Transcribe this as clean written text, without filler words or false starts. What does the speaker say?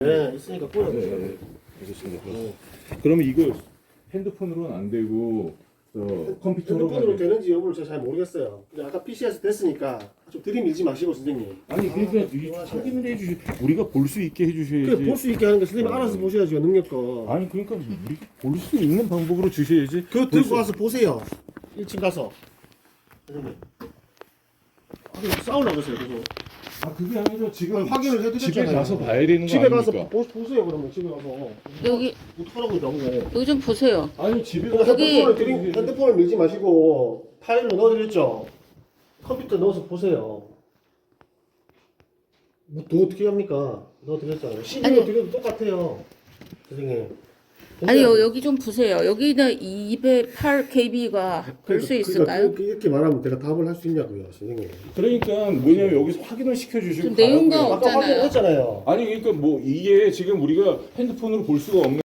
네, 있으니까 꺼내. 네, 알겠습니다. 그러면 이거 핸드폰으로는 안 되고 컴퓨터로 핸드폰으로 되는지 여부를 제가 잘 모르겠어요. 근데 아까 PC에서 됐으니까 좀 들이밀지 마시고 선생님. 아니 그러니까 이 확인을 해주시 우리가 볼 수 있게 해주셔야지. 그래 볼 수 있게 하는 거 선생님 알아서 보셔야죠 능력껏. 아니 그러니까 우리가 볼 수 있는 방법으로 주셔야지. 그거 들고 가서 보세요. 1층 가서. 선생님. 싸우려고 그러세요 계속. 아 그게 아니라 지금 확인을 해드렸잖아요. 집에 가서 봐야 되는 거 집에 가서 아닙니까? 보세요 그러면 집에 가서. 여기 어떡하라고 이런 거. 여기 좀 보세요. 아니 집에 그러니까 가서 핸드폰을 밀지 마시고 파일로 넣어드렸죠. 컴퓨터 넣어서 보세요. 뭐 더 어떻게 합니까? 넣어드렸잖아요. CD로 아니. 드려도 똑같아요. 선생님. 아니 여기 좀 보세요. 여기는 208kb가 볼 수 있을까요? 이렇게 말하면 내가 답을 할 수 있냐고요, 선생님. 그러니까 뭐냐면 여기서 확인을 시켜주시고 좀 내용과 가라고요. 아까 없잖아요. 확인했잖아요. 아니 그러니까 뭐 이게 지금 우리가 핸드폰으로 볼 수가 없는